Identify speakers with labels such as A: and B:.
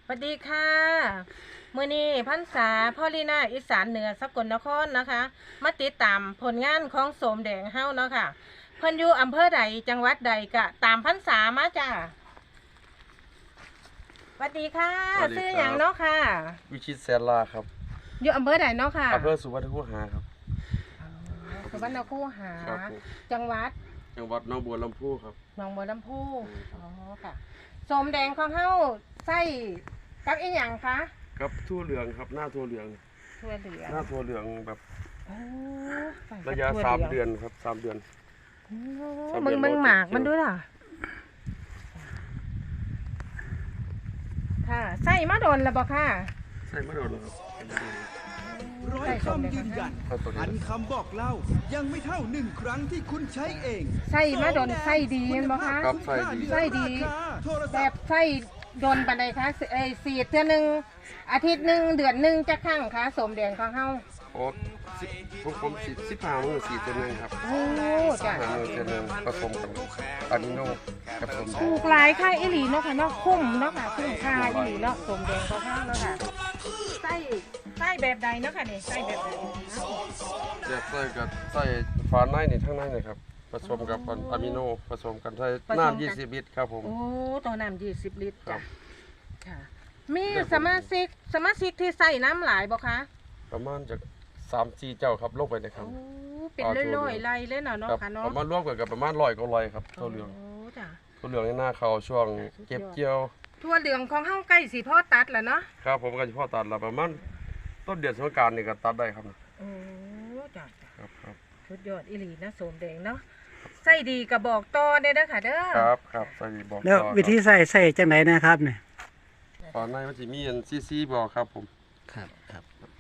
A: สวัสดีค่ะมื้อนี้พรรษาพ่อลีน่าอีสานเหนือสกลนครนะคะมาติดตามผลงานของโสมแดงเฮาเนาะค่ะเพิ่นอยู่อำเภอใดจังหวัดใดก็ตามพรรษามาจ้าสวัสดีค่ะชื่อหยังเนาะค่ะ
B: วิชิตแสนลาครับ
A: อยู่อำเภอใดเนาะค่ะ
B: อำเภอสุวรรณคูหาครับ
A: สุวรรณคูหาจังหวัด
B: หนองบัวลำพูครับ
A: หนองบัวลำพูอ๋อค่ะโสมแดงของเฮาใส่กับอีหยังคะ
B: กับทั่วเหลืองครับหน้าทั่วเหลือง
A: ทั่วเหลือง
B: หน้าทั่วเหลืองแบบระยะ3 เดือนครับ3 เดือน
A: มึงหมากมันด้วยล่ะค่ะใส่มาโดนแล้วบ่ค่ะ
B: ใส่มาโดนครับ
C: ร้อยคำยืนยันพันคำบอกเล่ายังไม่เท่า1 ครั้งที่คุณใช้เอง
A: ใส่มาโดนใส่ดีเห็นบ่คะใส่ดีแบบใส่โดนปานใดคะสีดเทื่อนึงอาทิตย์นึงเดือนนึงจักครั้งคะโสมแดงของเฮา
B: โอ้ผม15 มื้อ4 เดือนครับ
A: โอ้จ้ะ
B: 15 มื้อเดือนผสมกับอะมิโนกับสม
A: ปลูกหลายค่ายอีหลีเนาะค่ะเนาะคุ้มเนาะค่ะคุ้มค่าอีหลีเนาะโสมแดงของเฮาเนาะค่ะใส่แบบใดเนาะค่ะนี่ใส่แบบใด
B: แบบใส่กับใส่ฝาในนี่ทั้งในเลยครับผสมกับอะมิโนผสมกันใส่น้ำ20 ลิตรครับผม
A: โอ้ตัวน้ำ20 ลิตรจ้ะค่ะมีสมาชิกที่ใส่น้ำหลายบ่คะ
B: ประมาณจาก3-4 เจ้าครับลงไปเลยครับ
A: โอ้เป็นร้อยๆไร่เลยเนาะค่ะเนาะ
B: ประมาณรวมกันกับประมาณ100 กว่าไร่ครับทั่วเหลือง
A: จ้ะ
B: ทั่วเหลืองในหน้าเขาช่วงเก็บเกี่ยว
A: ทั่วเหลืองของเฮาใกล้สิพอตัดแล้วเนาะ
B: ครับผมก็สิพอตัดแล้วประมาณต้นเดือนสงกรานต์นี่ก็ตัดได้ครับ
A: โอ้จ้ะ
B: ครับ
A: สุดยอดอีหลีนะโสมแดงเนาะใส่ดีก็บอกต่อได้เด้อค่ะเด้อ
B: ครับใส่ดีบอกต่อ
D: แล้ววิธีใส่จังไหนนะครับเนี่ย
B: ตอนในมันสิมีอันซีบอกครับผม
D: ครับ